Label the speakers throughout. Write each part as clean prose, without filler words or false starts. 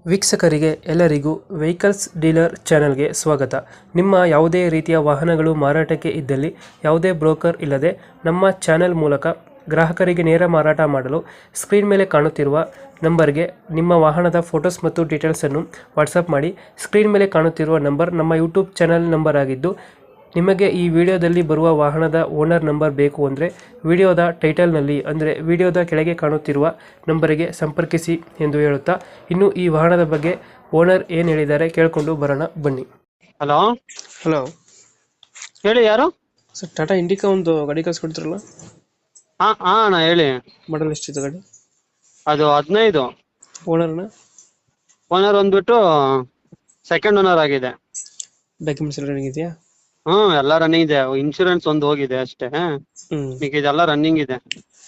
Speaker 1: ವೀಕ್ಷಕರಿಗೆ ಎಲ್ಲರಿಗೂ vehicles dealer ಚಾನೆಲ್ಗೆ ಸ್ವಾಗತ. ನಿಮ್ಮ ಯಾವುದೇ ರೀತಿಯ ವಾಹನಗಳು ಮಾರಾಟಕ್ಕೆ ಇದ್ದಲ್ಲಿ ಯಾವುದೇ ಬ್ರೋಕರ್ ಇಲ್ಲದೆ ನಮ್ಮ ಚಾನೆಲ್ ಮೂಲಕ ಗ್ರಾಹಕರಿಗೆ ನೇರ ಮಾರಾಟ ಮಾಡಲು ಸ್ಕ್ರೀನ್ ಮೇಲೆ ಕಾಣುತ್ತಿರುವ ನಂಬರ್ಗೆ ನಿಮ್ಮ ವಾಹನದ ಫೋಟೋಸ್ ಮತ್ತು ಡೀಟೇಲ್ಸನ್ನು ವಾಟ್ಸಪ್ ಮಾಡಿ. ಸ್ಕ್ರೀನ್ ಮೇಲೆ ಕಾಣುತ್ತಿರುವ ನಂಬರ್ ನಮ್ಮ ಯೂಟ್ಯೂಬ್ ಚಾನೆಲ್ ನಂಬರ್ ಆಗಿದ್ದು, ನಿಮಗೆ ಈ ವಿಡಿಯೋದಲ್ಲಿ ಬರುವ ವಾಹನದ ಓನರ್ ನಂಬರ್ ಬೇಕು ಅಂದರೆ ವಿಡಿಯೋದ ಟೈಟಲ್ನಲ್ಲಿ ಅಂದರೆ ವಿಡಿಯೋದ ಕೆಳಗೆ ಕಾಣುತ್ತಿರುವ ನಂಬರಿಗೆ ಸಂಪರ್ಕಿಸಿ ಎಂದು ಹೇಳುತ್ತಾ, ಇನ್ನು ಈ ವಾಹನದ ಬಗ್ಗೆ ಓನರ್ ಏನು ಹೇಳಿದ್ದಾರೆ ಕೇಳಿಕೊಂಡು ಬರೋಣ ಬನ್ನಿ.
Speaker 2: ಹಲೋ
Speaker 1: ಹಲೋ
Speaker 2: ಹೇಳಿ, ಯಾರು?
Speaker 1: ಸರ್, ಟಾಟಾ ಇಂಡಿಕಾ ಒಂದು ಗಾಡಿ ಕಳ್ಸಿಕೊಡ್ತಿರಲ್ಲ,
Speaker 2: ಹಾ ಹಾ ಅಣ್ಣ ಹೇಳಿ.
Speaker 1: ಮಾಡಲ್ ಎಷ್ಟಿದೆ ಗಾಡಿ?
Speaker 2: ಅದು 15.
Speaker 1: ಓನರ್ನ
Speaker 2: ಓನರ್ ಬಂದ್ಬಿಟ್ಟು ಸೆಕೆಂಡ್ ಓನರ್ ಆಗಿದೆ.
Speaker 1: ಡಾಕ್ಯುಮೆಂಟ್ಸ್ ಎಲ್ಲ ಇದೆಯಾ?
Speaker 2: ಎಲ್ಲ ರನ್ನಿಂಗ್ ಇದೆ. ಇನ್ಶೂರೆನ್ಸ್ ಒಂದು ಹೋಗಿದೆ ಅಷ್ಟೇ, ಈಗ ಇದೆಲ್ಲ ರನ್ನಿಂಗ್ ಇದೆ.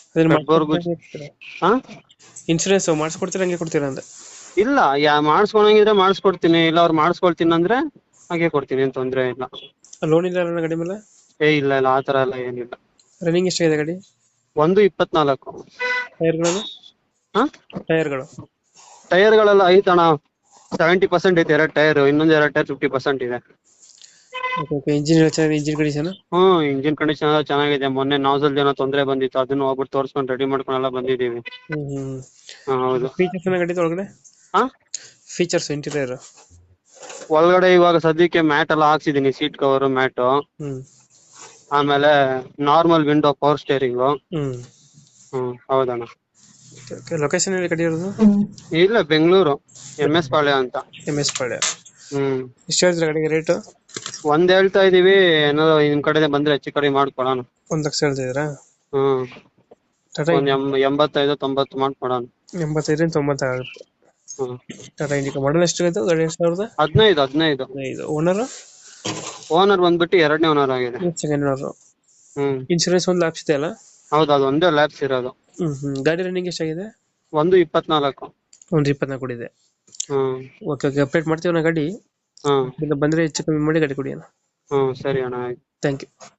Speaker 2: ಹಾ
Speaker 1: ಇನ್ಶೂರೆನ್ಸ್ ಮಾಡಿಸ್ಕೊಡ್ತೀರಾ ಹಂಗೆ ಕೊಡ್ತೀರಾ ಅಂತ?
Speaker 2: ಇಲ್ಲ, ಮಾಡಿಸ್ಕೊಳಂಗಿದ್ರೆ ಮಾಡಿಸ್ಕೊಡ್ತೀನಿ, ಇಲ್ಲ ಅವ್ರು ಮಾಡಿಸ್ಕೊಳ್ತೀನಿ ಅಂದ್ರೆ ಹಾಗೆ ಕೊಡ್ತೀನಿ, ಏನ್ ತೊಂದ್ರೆ ಇಲ್ಲ.
Speaker 1: ಲೋನ್ ಇಲ್ಲ ಅಲ್ಲ ಗಾಡಿ ಮೇಲೆ?
Speaker 2: ಇಲ್ಲ ಇಲ್ಲ, ಆತರ ಎಲ್ಲ ಏನಿಲ್ಲ.
Speaker 1: ರನ್ನಿಂಗ್ ಎಷ್ಟಾಗಿದೆ ಗಾಡಿ?
Speaker 2: 1.24.
Speaker 1: ಟೈರ್ಗಳು?
Speaker 2: ಹಾ
Speaker 1: ಟೈರ್ಗಳು
Speaker 2: ಟೈರ್ಗಳೆಲ್ಲ ಐತಣ್ಣ, 70% ಐತೆ. 2 ಟೈರ್, ಇನ್ನೊಂದ್ 2 ಟೈರ್ 50% ಇದೆ.
Speaker 1: ಇಂಜಿನ್ ಚೆನ್ನಾಗಿದೆ? Engine condition?
Speaker 2: ಇಂಜಿನ್ ಕಂಡೀಷನ್ ಎಲ್ಲ ಚೆನ್ನಾಗಿದೆ. ಮೊನ್ನೆ ನಾಸಲ್ ಏನೋ ತೊಂದ್ರೆ ಬಂದಿತ್ತು, ಅದನ್ನ ಹೋಗ್ಬಿಟ್ಟು ತೋರ್ಸ್ಕೊಂಡು ರೆಡಿ ಮಾಡ್ಕೊಂಡೆಲ್ಲ ಬಂದಿದೀವಿ. ಹೌದು.
Speaker 1: ಫೀಚರ್ಸ್ ಗಾಡಿ ಒಳಗಡೆ?
Speaker 2: ಹಾ
Speaker 1: ಫೀಚರ್ಸ್ ಇಂಟೀರಿಯರ್
Speaker 2: ಒಳಗಡೆ ಇವಾಗ ಸದ್ಯಕ್ಕೆ ಮ್ಯಾಟ್ ಎಲ್ಲ ಹಾಕ್ಸಿದೀನಿ, ಸೀಟ್ ಕವರ್ ಮ್ಯಾಟ್. ಆಮೇಲೆ ನಾರ್ಮಲ್ ವಿಂಡೋ, ಪವರ್ ಸ್ಟೇರಿಂಗ್. ಹೌದಣ್ಣ.
Speaker 1: ಲೊಕೇಶನ್ ಎಲ್ಲಿ ಗಾಡಿ ಇರೋದು?
Speaker 2: ಇಲ್ಲ, ಬೆಂಗಳೂರು MS ಪಾಳ್ಯ ಅಂತ.
Speaker 1: MS ಪಾಳ್ಯ. ಎಷ್ಟು ಹೇಳಿದ್ರೆ ಗಾಡಿಗೆ ರೇಟ್?
Speaker 2: ಒಂದ್ ಹೇಳ್ತಾ ಇದೀವಿ, ಏನಾದ್ರು ನಿಮ್ ಕಡೆ ಬಂದ್ರೆ ಹೆಚ್ಚು ಕಡಿಮೆ ಮಾಡ್ಕೊಡೋಣ.
Speaker 1: 1,00,000 ಹೇಳ್ತಿದ್ದೀರಾ? ಟಾಟಾ
Speaker 2: ಒಂದ್ 85-90 ಮಾಡ್ಕೊಡೋಣ.
Speaker 1: 85-90 ಆಗುತ್ತೆ. ಟಾಟಾ ಇಂಡಿಕಾ ಮಾಡಲ್ ಎಷ್ಟು ಆಯ್ತು ಗಾಡಿ?
Speaker 2: 2015.
Speaker 1: ಓನರ್?
Speaker 2: ಓನರ್ ಬಂದ್ಬಿಟ್ಟು 2ನೇ ಓನರ್ ಆಗಿದೆ.
Speaker 1: Second owner. ಇನ್ಶೂರೆನ್ಸ್ ಒಂದು ಲ್ಯಾಪ್ಸ್ ಇದೆ ಅಲ್ಲ?
Speaker 2: ಹೌದು, ಅದು ಒಂದೇ ಲ್ಯಾಬ್ಸ್ ಇರೋದು.
Speaker 1: ಗಾಡಿ ರನ್ನಿಂಗ್ ಎಷ್ಟಾಗಿದೆ?
Speaker 2: 1.24.
Speaker 1: ಒಂದು 24 ಕೊಡಿದೆ. ಓಕೆ ಓಕೆ, ಅಪ್ಡೇಟ್ ಮಾಡ್ತೀವಿ ನಾ ಗಾಡಿ. ಬಂದ್ರೆ ಹೆಚ್ಚು ಕಮ್ಮಿ ಮಾಡಿ ಗಾಡಿ ಕೊಡಿ ಅಣ್ಣ.
Speaker 2: ಸರಿ ಅಣ್ಣ, ಆಯ್ತು.
Speaker 1: Thank you.